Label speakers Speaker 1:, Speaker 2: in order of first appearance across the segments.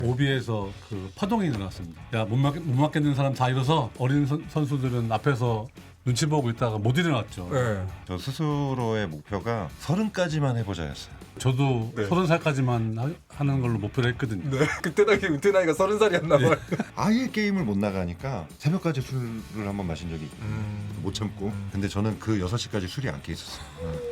Speaker 1: 오비에서 그 파동이 일어났습니다. 야, 못 맞겠는 사람 다 일어서 어린 선수들은 앞에서 눈치 보고 있다가 못 일어났죠.
Speaker 2: 네.
Speaker 3: 저 스스로의 목표가 30까지만 해보자였어요.
Speaker 1: 저도
Speaker 2: 네.
Speaker 1: 30살까지만 하는 걸로 목표를 했거든요.
Speaker 2: 네. 그때 당시 은퇴 나이가 30살이었나 봐요.
Speaker 3: 아예 게임을 못 나가니까 새벽까지 술을 한번 마신 적이 있고 못 참고. 근데 저는 그 6시까지 술이 안 깨 있었어요.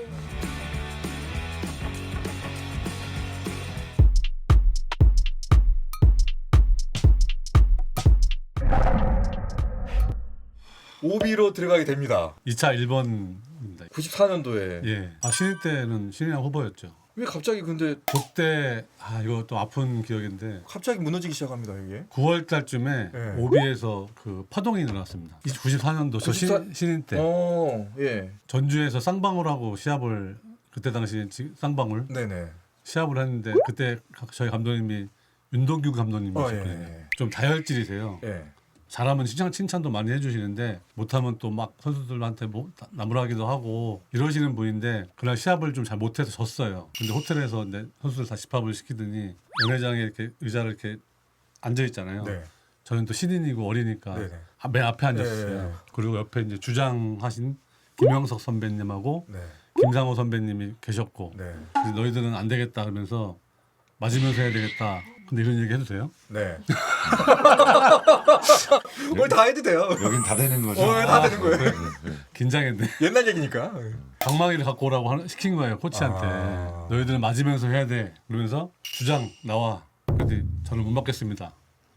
Speaker 2: 오비로 들어가게 됩니다.
Speaker 1: 2차 1번입니다.
Speaker 2: 94년도에.
Speaker 1: 예. 신인 때는 신인왕 후보였죠.
Speaker 2: 왜 갑자기 근데
Speaker 1: 그때 이거 또 아픈 기억인데
Speaker 2: 갑자기 무너지기 시작합니다 이게?
Speaker 1: 9월 달쯤에
Speaker 2: 네.
Speaker 1: 오비에서 그 파동이 일어났습니다. 94년도 저
Speaker 2: 94
Speaker 1: 신인 때
Speaker 2: 예.
Speaker 1: 전주에서 쌍방울하고 시합을 그때 당시에 쌍방울
Speaker 2: 네네.
Speaker 1: 시합을 했는데 그때 저희 감독님이 윤동규 감독님이셨거든요.
Speaker 2: 예.
Speaker 1: 좀 다혈질이세요.
Speaker 2: 예.
Speaker 1: 잘하면 칭찬도 많이 해주시는데 못하면 또 막 선수들한테 뭐 나무라기도 하고 이러시는 분인데 그날 시합을 좀 잘 못해서 졌어요. 근데 호텔에서 선수들 다 집합을 시키더니 연회장에 이렇게 의자를 이렇게 앉아 있잖아요.
Speaker 2: 네.
Speaker 1: 저는 또 신인이고 어리니까
Speaker 2: 네네.
Speaker 1: 맨 앞에 앉았어요.
Speaker 2: 네.
Speaker 1: 그리고 옆에 이제 주장하신 김영석 선배님하고
Speaker 2: 네.
Speaker 1: 김상호 선배님이 계셨고
Speaker 2: 네.
Speaker 1: 그래서 너희들은 안 되겠다 그러면서 맞으면서 해야 되겠다. 근데 이런 얘기 해도 돼요?
Speaker 2: 네. 오늘 다 해도 돼요.
Speaker 3: 여긴 다 되는 거죠.
Speaker 2: 다 되는 거예요.
Speaker 3: 네.
Speaker 1: 긴장했네.
Speaker 2: 옛날 얘기니까.
Speaker 1: 방망이를 갖고 오라고 시킨 거예요 코치한테. 너희들은 맞으면서 해야 돼. 그러면서 주장 나와. 그랬더니 저는 못 맞겠습니다.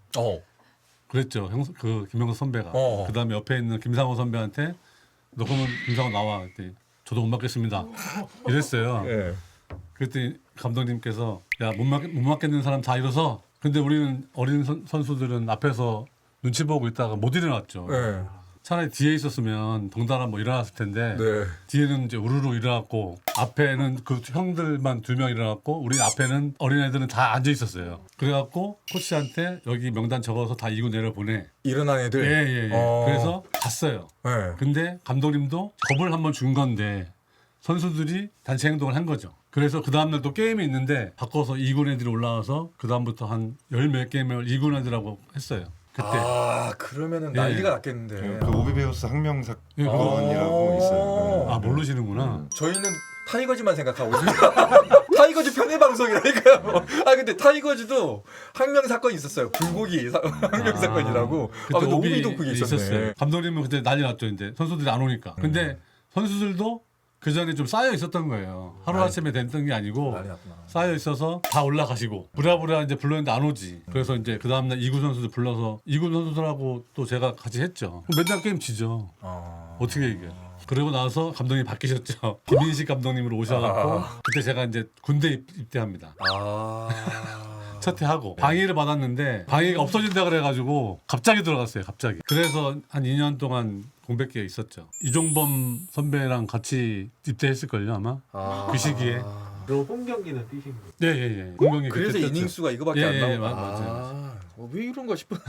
Speaker 1: 그랬죠. 그 김영석 선배가. 그다음에 옆에 있는 김상호 선배한테 너 그러면 김상호 나와. 그랬더니 저도 못 맞겠습니다. 이랬어요.
Speaker 2: 예.
Speaker 1: 그랬더니 감독님께서 야, 못 맞겠는 사람 다 일어서. 근데 우리는 어린 선수들은 앞에서 눈치 보고 있다가 못 일어났죠.
Speaker 2: 예.
Speaker 1: 차라리 뒤에 있었으면 덩달아 뭐 일어났을 텐데
Speaker 2: 네.
Speaker 1: 뒤에는 이제 우르르 일어났고 앞에는 그 형들만 2명 일어났고 우리 앞에는 어린애들은 다 앉아 있었어요. 그래갖고 코치한테 여기 명단 적어서 다 이고 내려 보내.
Speaker 2: 일어난 애들.
Speaker 1: 예. 그래서 갔어요.
Speaker 2: 예.
Speaker 1: 근데 감독님도 겁을 한번 준 건데 선수들이 단체 행동을 한 거죠. 그래서 그 다음날 또 게임이 있는데 바꿔서 2군 애들이 올라와서 그 다음부터 한 10몇 게임을 2군 애들하고 했어요. 그때.
Speaker 2: 그러면은
Speaker 1: 예.
Speaker 2: 난리가 났겠는데.
Speaker 3: 그 오비베우스 학명
Speaker 1: 예,
Speaker 3: 사건이라고 있어요.
Speaker 1: 모르시는구나.
Speaker 2: 저희는 타이거즈만 생각하고 있습니다. 타이거즈 편의 방송이라니까요. 근데 타이거즈도 항명 사건이 있었어요. 불고기 항명 사건이라고. 근데 오비도 그게 있었네.
Speaker 1: 감독님은 그때 난리 났죠. 이제 선수들이 안 오니까. 근데 선수들도 그 전에 좀 쌓여 있었던 거예요. 하루 아침에 됐던 게 아니고
Speaker 2: 난리 났구나.
Speaker 1: 쌓여 있어서 다 올라가시고 부랴부랴 이제 불렀는데 안 오지. 그래서 이제 그 다음날 2군 선수들 불러서 2군 선수들하고 또 제가 같이 했죠. 맨날 게임 지죠. 어떻게 이겨요? 그러고 나서 감독님 바뀌셨죠. 김인식 감독님으로 오셔갖고 그때 제가 이제 군대 입대합니다. 첫 해하고 방위를 받았는데 방위가 없어진다 그래가지고 갑자기 들어갔어요. 갑자기. 그래서 한 2년 동안 공백기가 있었죠. 이종범 선배랑 같이 입대했을걸요 아마. 그 시기에.
Speaker 4: 그럼 홈 경기는 뛰신 거예요?
Speaker 1: 예. 공격이
Speaker 2: 그래서
Speaker 1: 그때
Speaker 2: 이닝수가 이거밖에
Speaker 1: 예,
Speaker 2: 안 나오고.
Speaker 1: 예, 맞아요.
Speaker 2: 왜 이런가 싶었는데.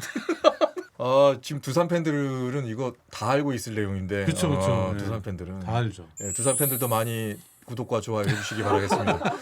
Speaker 2: 지금 두산 팬들은 이거 다 알고 있을 내용인데.
Speaker 1: 그쵸. 예.
Speaker 2: 두산 팬들은
Speaker 1: 다 알죠.
Speaker 2: 예, 두산 팬들도 많이 구독과 좋아요 해주시기 바라겠습니다.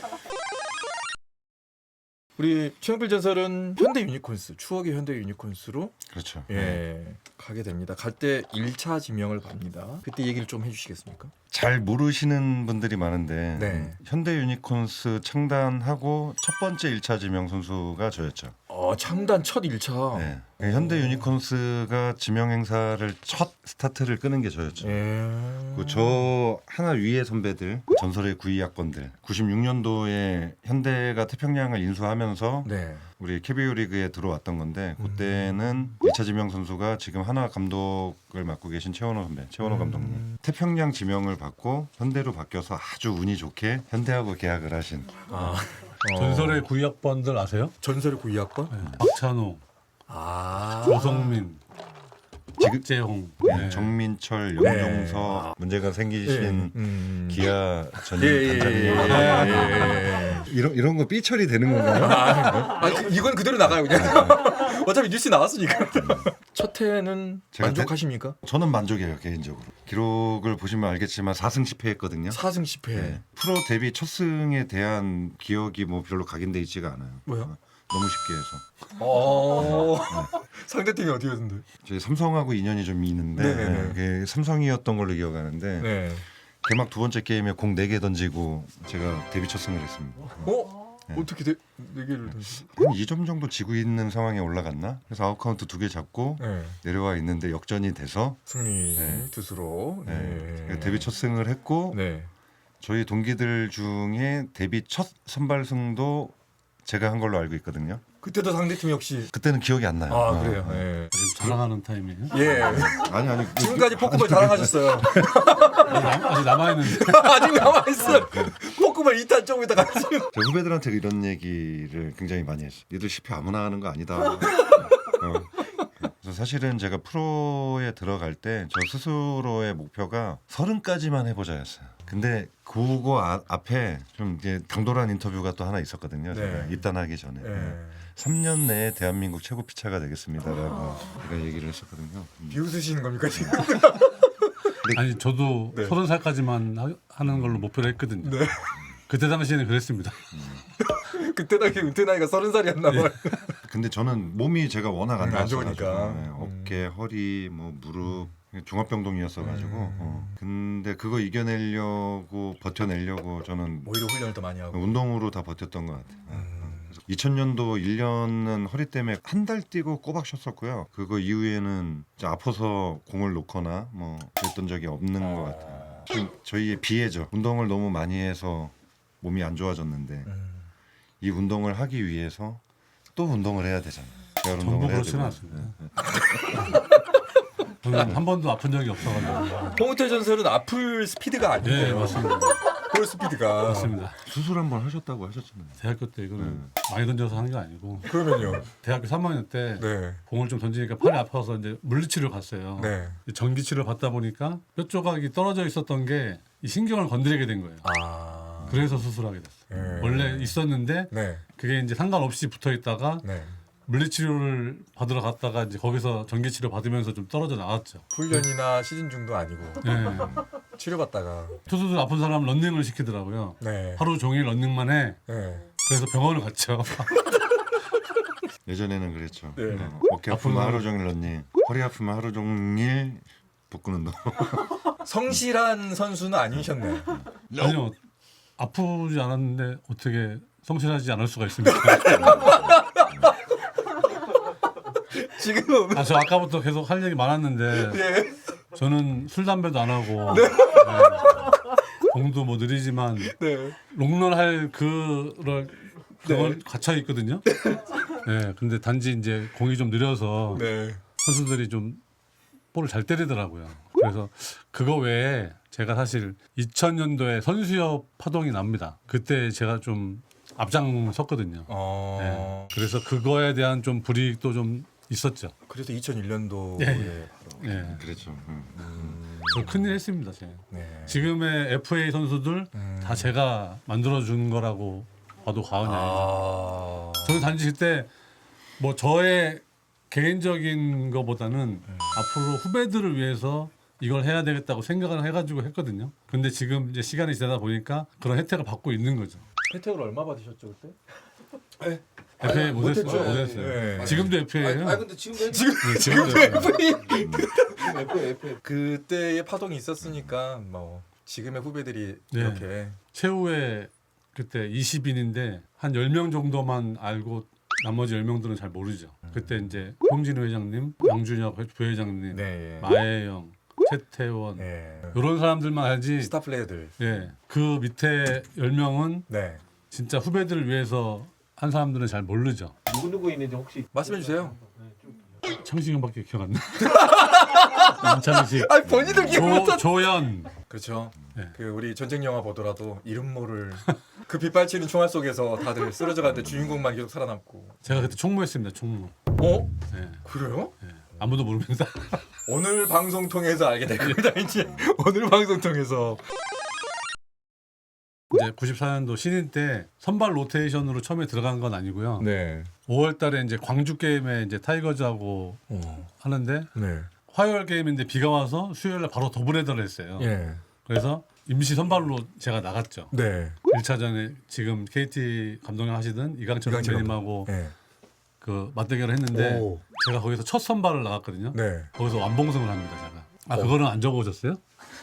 Speaker 2: 우리 최영필 전설은 현대 유니콘스, 추억의 현대 유니콘스로
Speaker 3: 그렇죠.
Speaker 2: 가게 됩니다. 갈 때 1차 지명을 받니다. 그때 얘기를 좀 해주시겠습니까?
Speaker 3: 잘 모르시는 분들이 많은데
Speaker 2: 네.
Speaker 3: 현대 유니콘스 창단하고 첫 번째 1차 지명 선수가 저였죠.
Speaker 2: 창단 첫 1차.
Speaker 3: 네. 현대 유니콘스가 지명 행사를 첫 스타트를 끄는 게 저였죠. 저 하나 위의 선배들, 전설의 92학번들, 96년도에 현대가 태평양을 인수하면서
Speaker 2: 네.
Speaker 3: 우리 KBO 리그에 들어왔던 건데 그때는 2차 지명 선수가 지금 하나 감독을 맡고 계신 최원호 선배, 최원호 감독님. 태평양 지명을 받고 현대로 바뀌어서 아주 운이 좋게 현대하고 계약을 하신.
Speaker 1: 전설의 92학번들 아세요?
Speaker 2: 전설의 92학번?
Speaker 1: 박찬호, 조성민, 박재홍,
Speaker 3: 정민철, 영종서 문제가 생기신 기아 전임 단장님 이런 거 삐처리 되는 건가요?
Speaker 2: 이건 그대로 나가요 그냥. 어차피 뉴스 나왔으니까. 첫 해는
Speaker 3: 제가
Speaker 2: 만족하십니까?
Speaker 3: 저는 만족해요 개인적으로. 기록을 보시면 알겠지만 4승 10패 했거든요.
Speaker 2: 4승 10패.
Speaker 3: 프로 데뷔 첫 승에 대한 기억이 뭐 별로 각인돼 있지가 않아요.
Speaker 2: 뭐요?
Speaker 3: 너무 쉽게 해서.
Speaker 2: 상대팀이 어디였는데?
Speaker 3: 저희 삼성하고 인연이 좀 있는데
Speaker 2: 네네네.
Speaker 3: 그게 삼성이었던 걸로 기억하는데
Speaker 2: 네.
Speaker 3: 개막 두 번째 게임에 공 4개 던지고 제가 데뷔 첫 승을 했습니다.
Speaker 2: 네. 어떻게 네 개를 던지?
Speaker 3: 한 2점 정도 지고 있는 상황에 올라갔나? 그래서 아웃카운트 2개 잡고
Speaker 2: 네.
Speaker 3: 내려와 있는데 역전이 돼서
Speaker 2: 승리
Speaker 3: 네.
Speaker 2: 투수로.
Speaker 3: 네. 데뷔 첫 승을 했고
Speaker 2: 네.
Speaker 3: 저희 동기들 중에 데뷔 첫 선발승도 제가 한 걸로 알고 있거든요.
Speaker 2: 그때도 상대팀 역시.
Speaker 3: 그때는 기억이 안 나요.
Speaker 2: 아 그래요. 네.
Speaker 1: 지금 자랑하는 타임이에요.
Speaker 2: 예.
Speaker 3: 아니
Speaker 2: 지금까지 포크볼 자랑하셨어요.
Speaker 1: 아직 남아 있는데.
Speaker 2: 아직 남아 있어. 포크볼 2탄 조금 있다가.
Speaker 3: 제 후배들한테 이런 얘기를 굉장히 많이 했어요. 얘들 10회 아무나 하는 거 아니다. 그래서 사실은 제가 프로에 들어갈 때 저 스스로의 목표가 30까지만 해보자였어요. 근데 그거 앞에 좀 이제 당돌한 인터뷰가 또 하나 있었거든요. 제가
Speaker 2: 네.
Speaker 3: 입단하기 전에.
Speaker 2: 네.
Speaker 3: 3년 내에 대한민국 최고 피차가 되겠습니다라고 제가 얘기를 했었거든요.
Speaker 2: 비웃으시는 겁니까 지금?
Speaker 1: 아니 저도
Speaker 2: 네.
Speaker 1: 30살까지만 하는 걸로 목표를 했거든요.
Speaker 2: 네.
Speaker 1: 그때 당시에는 그랬습니다.
Speaker 2: 그때 당시 은퇴 나이가 30살이었나 봐요.
Speaker 3: 근데 저는 몸이 제가 워낙 안
Speaker 2: 안
Speaker 3: 좋았어가지고
Speaker 2: 좋으니까.
Speaker 3: 네, 어깨, 허리, 뭐 무릎 종합병동이었어가지고 근데 그거 이겨내려고 버텨내려고 저는
Speaker 2: 오히려 훈련을 더 많이 하고.
Speaker 3: 운동으로 다 버텼던 것 같아요. 그래서 2000년도 1년은 허리 때문에 한 달 뛰고 꼬박 쉬었었고요. 그거 이후에는 이제 아파서 공을 놓거나 뭐 그랬던 적이 없는 것 같아요. 지금 저희의 비애죠. 운동을 너무 많이 해서 몸이 안 좋아졌는데 이 운동을 하기 위해서 또 운동을 해야 되잖아요. 재활
Speaker 1: 전부
Speaker 3: 운동을 해야
Speaker 1: 그렇지는
Speaker 3: 되고.
Speaker 1: 않습니다. 저는 한 번도 아픈 적이 없어가지고.
Speaker 2: 홍우태 전설은 아플 스피드가 아니에요.
Speaker 1: 네 맞습니다.
Speaker 2: 볼 스피드가.
Speaker 1: 맞습니다.
Speaker 3: 수술 한번 하셨다고 하셨잖아요.
Speaker 1: 대학교 때 이거는 많이 던져서 하는 게 아니고
Speaker 2: 그러면요.
Speaker 1: 대학교 3학년 때
Speaker 2: 네.
Speaker 1: 공을 좀 던지니까 팔이 아파서 이제 물리치료 갔어요.
Speaker 2: 네.
Speaker 1: 전기치료 받다 보니까 뼈 조각이 떨어져 있었던 게 이 신경을 건드리게 된 거예요.
Speaker 2: 아.
Speaker 1: 그래서 수술하게 됐어요.
Speaker 2: 네.
Speaker 1: 원래 있었는데
Speaker 2: 네.
Speaker 1: 그게 이제 상관없이 붙어 있다가
Speaker 2: 네.
Speaker 1: 물리치료를 받으러 갔다가 이제 거기서 전기치료 받으면서 좀 떨어져 나왔죠.
Speaker 2: 훈련이나 시즌 중도 아니고
Speaker 1: 네.
Speaker 2: 치료받다가.
Speaker 1: 투수들 아픈 사람 런닝을 시키더라고요.
Speaker 2: 네.
Speaker 1: 하루 종일 런닝만 해.
Speaker 2: 네.
Speaker 1: 그래서 병원을 갔죠.
Speaker 3: 예전에는 그랬죠.
Speaker 2: 네.
Speaker 3: 어깨 아프면 하루 종일 런닝, 허리 아프면 하루 종일 복근 운동.
Speaker 2: 성실한 선수는 아니셨네.
Speaker 1: 아니요. 아프지 않았는데 어떻게 성실하지 않을 수가 있습니까?
Speaker 2: 지금.
Speaker 1: 아, 저 아까부터 계속 할 얘기 많았는데
Speaker 2: 네.
Speaker 1: 저는 술 담배도 안 하고 공도 뭐 느리지만
Speaker 2: 네.
Speaker 1: 롱런 할 그걸 갇혀 있거든요. 네, 근데 단지 이제 공이 좀 느려서
Speaker 2: 네.
Speaker 1: 선수들이 좀 볼을 잘 때리더라고요. 그래서 그거 외에 제가 사실 2000년도에 선수협 파동이 납니다. 그때 제가 좀 앞장섰거든요. 네, 그래서 그거에 대한 좀 불이익도 좀 있었죠.
Speaker 2: 그래서 2001년도에
Speaker 1: 예.
Speaker 2: 바로.
Speaker 1: 네,
Speaker 3: 그랬죠.
Speaker 1: 저 큰일 했습니다. 제가.
Speaker 2: 네.
Speaker 1: 지금의 FA 선수들 다 제가 만들어준 거라고 봐도 과언이 아니죠. 저는 단지 그때 뭐 저의 개인적인 거보다는 앞으로 후배들을 위해서 이걸 해야 되겠다고 생각을 해가지고 했거든요. 근데 지금 이제 시간이 지나다 보니까 그런 혜택을 받고 있는 거죠.
Speaker 4: 혜택을 얼마 받으셨죠 그때?
Speaker 1: FA
Speaker 2: 못했죠.
Speaker 1: 못했어요.
Speaker 2: 네.
Speaker 1: 지금도 FA예요.
Speaker 4: 근데 지금도
Speaker 1: 지금도
Speaker 4: FA
Speaker 2: 그때의 파동이 있었으니까 뭐 지금의 후배들이
Speaker 1: 네.
Speaker 2: 이렇게.
Speaker 1: 최후에 그때 20인인데 한 10명 정도만 알고 나머지 10명들은 잘 모르죠. 그때 이제 홍진우 회장님, 양준혁 부회장님,
Speaker 2: 네.
Speaker 1: 마혜영, 최태원
Speaker 2: 네.
Speaker 1: 이런 사람들만 알지.
Speaker 2: 스타 플레이어들.
Speaker 1: 예, 그 밑에 10명은
Speaker 2: 네.
Speaker 1: 진짜 후배들을 위해서 한 사람들은 잘 모르죠.
Speaker 4: 누구 있는지 혹시
Speaker 2: 말씀해 주세요.
Speaker 1: 창식 형밖에 기억 안 나. 남창식,
Speaker 2: 아 본인들 기억.
Speaker 1: 조연.
Speaker 2: 그렇죠.
Speaker 1: 네.
Speaker 2: 그 우리 전쟁 영화 보더라도 이름 모를 그 빗발치는 총알 속에서 다들 쓰러져 가는데 주인공만 계속 살아남고.
Speaker 1: 제가 그때 총무했습니다. 총무.
Speaker 2: 어?
Speaker 1: 예,
Speaker 2: 그래요?
Speaker 1: 예. 아무도 모릅니다.
Speaker 2: 오늘 방송 통해서 알게 될 겁니다. 이제 오늘 방송 통해서.
Speaker 1: 이제 94년도 신인 때 선발 로테이션으로 처음에 들어간 건 아니고요.
Speaker 2: 네.
Speaker 1: 5월달에 이제 광주 게임에 이제 타이거즈하고 하는데
Speaker 2: 네.
Speaker 1: 화요일 게임인데 비가 와서 수요일날 바로 더블헤더를 했어요.
Speaker 2: 예.
Speaker 1: 그래서 임시 선발로 제가 나갔죠.
Speaker 2: 네.
Speaker 1: 1차전에 지금 KT 감독님 하시던 이강철
Speaker 2: 이강철
Speaker 1: 선배님하고
Speaker 2: 네.
Speaker 1: 그 맞대결을 했는데
Speaker 2: 오.
Speaker 1: 제가 거기서 첫 선발을 나갔거든요.
Speaker 2: 네.
Speaker 1: 거기서 완봉승을 합니다, 제가. 아 그거는 안 적어오셨어요?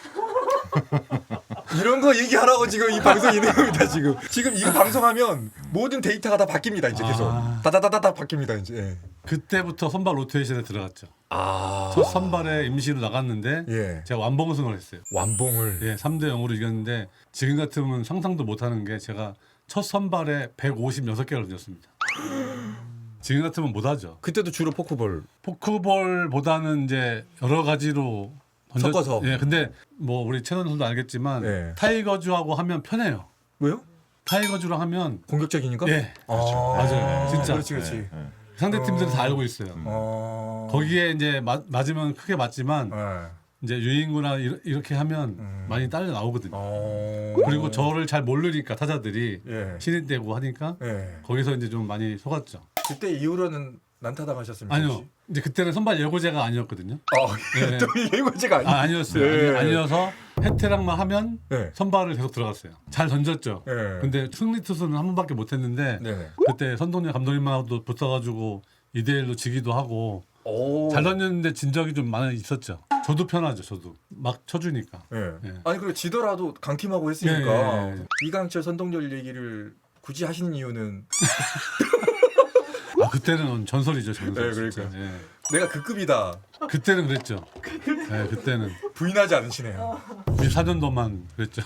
Speaker 2: 이런 거 얘기하라고 지금 이 방송 있는 겁니다. 지금 이거 방송하면 모든 데이터가 다 바뀝니다. 이제 계속 다다다다다 바뀝니다. 이제. 예.
Speaker 1: 그때부터 선발 로테이션에 들어갔죠.
Speaker 2: 아.
Speaker 1: 첫 선발에 임시로 나갔는데
Speaker 2: 예.
Speaker 1: 제가 완봉승을 했어요.
Speaker 2: 완봉을.
Speaker 1: 예, 3대 0으로 이겼는데 지금 같으면 상상도 못하는 게 제가 첫 선발에 156개를 던졌습니다. 지금 같으면 못하죠.
Speaker 2: 그때도 주로 포크볼.
Speaker 1: 포크볼보다는 이제 여러 가지로
Speaker 2: 섞어서.
Speaker 1: 예, 근데 뭐 우리 최선 선수도 알겠지만
Speaker 2: 예.
Speaker 1: 타이거즈하고 하면 편해요.
Speaker 2: 왜요?
Speaker 1: 타이거즈랑 하면
Speaker 2: 공격적이니까?
Speaker 1: 예,
Speaker 2: 그렇죠.
Speaker 1: 맞아요. 진짜.
Speaker 2: 그렇지.
Speaker 1: 상대 팀들은 다 알고 있어요. 거기에 이제 맞으면 크게 맞지만 이제 유인구나 이렇게 하면 많이 딸려 나오거든요. 그리고 저를 잘 모르니까 타자들이
Speaker 2: 예.
Speaker 1: 신인 때고 하니까
Speaker 2: 예.
Speaker 1: 거기서 이제 좀 많이 속았죠.
Speaker 2: 그때 이후로는 난타당하셨습니까?
Speaker 1: 아니요,
Speaker 2: 혹시?
Speaker 1: 이제 그때는 선발 예고제가 아니었거든요.
Speaker 2: 또 예고제가 아니.
Speaker 1: 아니었어요.
Speaker 2: 예.
Speaker 1: 아니어서 해태랑만 하면
Speaker 2: 네.
Speaker 1: 선발을 계속 들어갔어요. 잘 던졌죠.
Speaker 2: 예.
Speaker 1: 근데 승리 투수는 한 번밖에 못했는데
Speaker 2: 네네.
Speaker 1: 그때 선동열 감독님하고도 붙어가지고 2대1로 지기도 하고
Speaker 2: 오.
Speaker 1: 잘 던졌는데 진 적이 좀 많이 있었죠. 저도 편하죠. 저도 막 쳐주니까.
Speaker 2: 예.
Speaker 1: 예.
Speaker 2: 아니 그리고 지더라도 강팀하고 했으니까
Speaker 1: 예.
Speaker 2: 이강철 선동열 얘기를 굳이 하시는 이유는
Speaker 1: 아 그때는 전설이죠. 전설.
Speaker 2: 네,
Speaker 1: 진짜.
Speaker 2: 그러니까요.
Speaker 1: 예.
Speaker 2: 내가 그 급이다.
Speaker 1: 그때는 그랬죠. 예, 그때는
Speaker 2: 부인하지 않으시네요.
Speaker 1: 14년도만 그랬죠.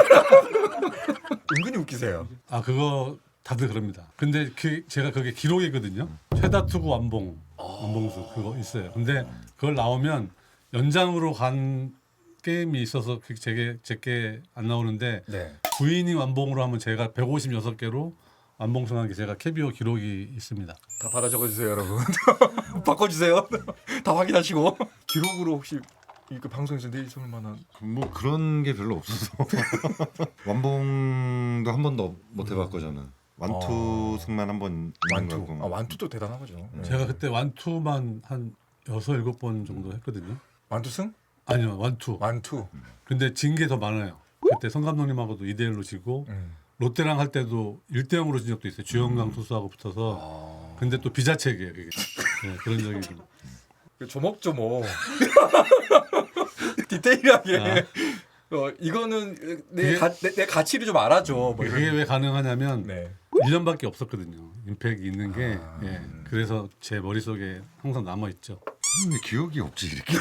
Speaker 2: 은근히 웃기세요.
Speaker 1: 아 그거 다들 그럽니다. 근데 제가 그게 기록이거든요. 최다 투구 완봉수 그거 있어요. 근데 그걸 나오면 연장으로 간 게임이 있어서 제게 안 나오는데
Speaker 2: 네.
Speaker 1: 9이닝 완봉으로 하면 제가 156개로 완봉승한 게 제가 KBO 기록이 있습니다.
Speaker 2: 다 받아 적어주세요, 여러분. 바꿔주세요. 다 확인하시고. 기록으로 혹시 이그 방송에서 내일 쏠 만한.
Speaker 3: 뭐 그런 게 별로 없어서 완봉도 한 번도 못 해봤고 저는 완투승만 한 번 있는
Speaker 2: 완투.
Speaker 3: 거고.
Speaker 2: 아 완투도 대단한 거죠. 네.
Speaker 1: 제가 그때 완투만 한 6, 7번 정도 했거든요.
Speaker 2: 완투승?
Speaker 1: 아니요, 완투.
Speaker 2: 완투.
Speaker 1: 근데 진 게 더 많아요. 그때 성 감독님하고도 2대1로 지고 롯데랑 할 때도 1대0으로 진 적도 있어요. 주영강 투수하고 붙어서. 근데 또 비자책이에요. 그게. 네, 그런 적이 좀.
Speaker 2: 조목조목. 디테일하게. 이거는 내 가치를 좀 알아줘. 뭐
Speaker 1: 그게
Speaker 2: 이런.
Speaker 1: 왜 가능하냐면
Speaker 2: 네.
Speaker 1: 1년밖에 없었거든요. 임팩이 있는 게. 예. 그래서 제 머릿속에 항상 남아있죠.
Speaker 3: 왜 기억이 없지 이렇게.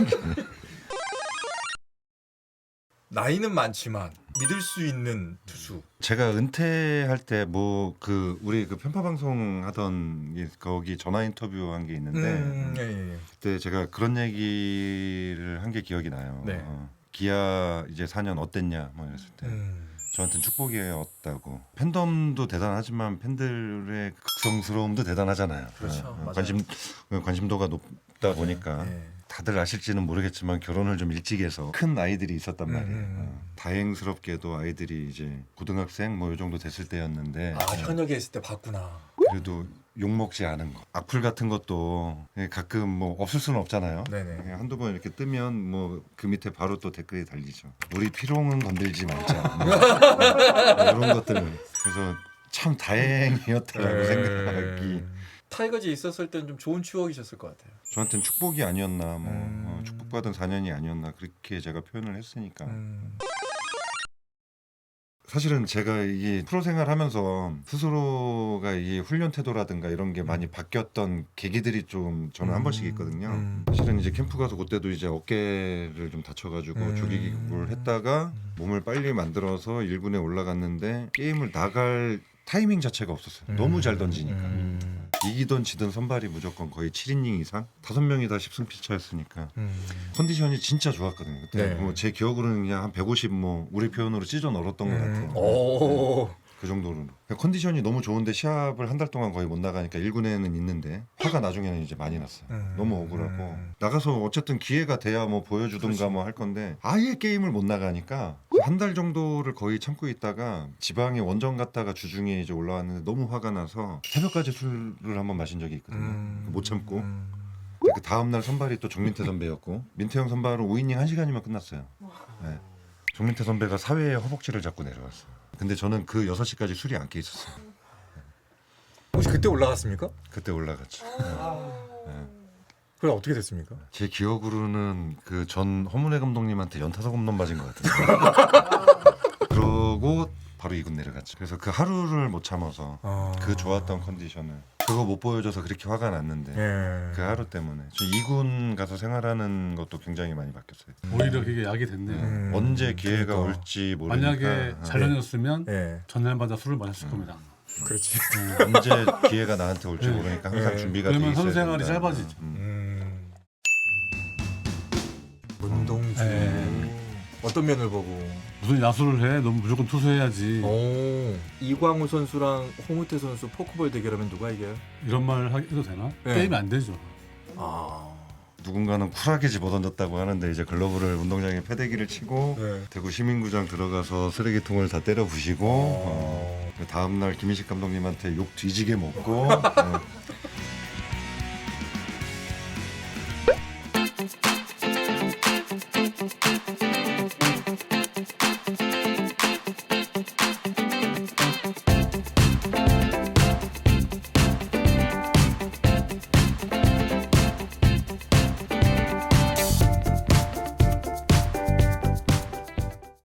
Speaker 2: 나이는 많지만 믿을 수 있는 투수.
Speaker 3: 제가 은퇴할 때 뭐 그 우리 그 편파 방송 하던 거기 전화 인터뷰 한 게 있는데
Speaker 2: 예.
Speaker 3: 그때 제가 그런 얘기를 한 게 기억이 나요.
Speaker 2: 네.
Speaker 3: 기아 이제 4년 어땠냐 뭐 이랬을 때 저한테는 축복이었다고. 팬덤도 대단하지만 팬들의 극성스러움도 대단하잖아요.
Speaker 2: 그렇죠. 맞아요.
Speaker 3: 관심도가 높다 보니까
Speaker 2: 네.
Speaker 3: 다들 아실지는 모르겠지만 결혼을 좀 일찍 해서 큰 아이들이 있었단 말이에요. 다행스럽게도 아이들이 이제 고등학생 뭐 이 정도 됐을 때였는데
Speaker 2: 아 현역에 있을 때 봤구나.
Speaker 3: 그래도 욕 먹지 않은 거. 악플 같은 것도 가끔 뭐 없을 수는 없잖아요.
Speaker 2: 네네.
Speaker 3: 한두 번 이렇게 뜨면 뭐 그 밑에 바로 또 댓글이 달리죠. 우리 피롱은 건들지 말자. 뭐 이런 것들을. 그래서 참 다행이었다라고 생각하기.
Speaker 2: 타이거즈에 있었을 때는 좀 좋은 추억이셨을 것 같아요.
Speaker 3: 저한테는 축복이 아니었나, 뭐 축복받은 4년이 아니었나 그렇게 제가 표현을 했으니까. 사실은 제가 이 프로 생활하면서 스스로가 이 훈련 태도라든가 이런 게 많이 바뀌었던 계기들이 좀 저는 한 번씩 있거든요. 사실은 이제 캠프 가서 그때도 이제 어깨를 좀 다쳐가지고 조기기구를 했다가 몸을 빨리 만들어서 1군에 올라갔는데 게임을 나갈 타이밍 자체가 없었어요. 너무 잘 던지니까. 이기던 지든 선발이 무조건 거의 7이닝 이상 5명이 다 10승 피차였으니까 컨디션이 진짜 좋았거든요. 그때
Speaker 2: 네.
Speaker 3: 뭐 제 기억으로는 그냥 한 150 뭐 우리 표현으로 찢어 널었던 것 같아요.
Speaker 2: 오.
Speaker 3: 그 정도로 컨디션이 너무 좋은데 시합을 한 달 동안 거의 못 나가니까 1군에는 있는데 화가 나중에는 이제 많이 났어요. 너무 억울하고 나가서 어쨌든 기회가 돼야 뭐 보여주든가 뭐 할 건데 아예 게임을 못 나가니까 한 달 정도를 거의 참고 있다가 지방에 원정 갔다가 주중에 이제 올라왔는데 너무 화가 나서 새벽까지 술을 한번 마신 적이 있거든요. 못 참고 그 다음 날 선발이 또 정민태 선배였고 민태형 선발은 5이닝 1시간이면 끝났어요. 네. 정민태 선배가 사회에 허벅지를 잡고 내려왔어요. 근데 저는 그 6시까지 술이 안 깨 있었어요.
Speaker 2: 혹시 그때 올라갔습니까?
Speaker 3: 그때 올라갔죠.
Speaker 2: 그럼 어떻게 됐습니까?
Speaker 3: 제 기억으로는 그 전 허문회 감독님한테 연타석 홈런 맞은 것 같은데. 그러고 바로 2군 내려갔죠. 그래서 그 하루를 못 참아서 그 좋았던 컨디션을 그거 못 보여줘서 그렇게 화가 났는데
Speaker 2: 예.
Speaker 3: 그 하루 때문에 저 2군 가서 생활하는 것도 굉장히 많이 바뀌었어요.
Speaker 1: 오히려 그게 약이 됐네요.
Speaker 3: 언제 기회가
Speaker 2: 그러니까.
Speaker 3: 올지 모르니까
Speaker 1: 만약에 잘 다녔으면
Speaker 2: 예.
Speaker 1: 전날마다 술을 마셨을 겁니다.
Speaker 2: 그렇지.
Speaker 3: 언제 기회가 나한테 올지
Speaker 1: 네.
Speaker 3: 모르니까 항상
Speaker 2: 네.
Speaker 3: 준비가 돼
Speaker 1: 그러면
Speaker 3: 있어야
Speaker 1: 선수 생활이
Speaker 3: 된다.
Speaker 1: 짧아지죠.
Speaker 2: 문동주. 어떤 면을 보고?
Speaker 1: 무슨 야수를 해? 너무 무조건 투수해야지.
Speaker 2: 이광우 선수랑 홍우태 선수 포크볼 대결하면 누가 이겨요?
Speaker 1: 이런 말 해도 되나?
Speaker 2: 네.
Speaker 1: 게임이 안 되죠.
Speaker 3: 누군가는 쿨하게 집어던졌다고 하는데 이제 글러브를 운동장에 패대기를 치고
Speaker 2: 네.
Speaker 3: 대구 시민구장 들어가서 쓰레기통을 다 때려 부시고 그 다음 날 김인식 감독님한테 욕 뒤지게 먹고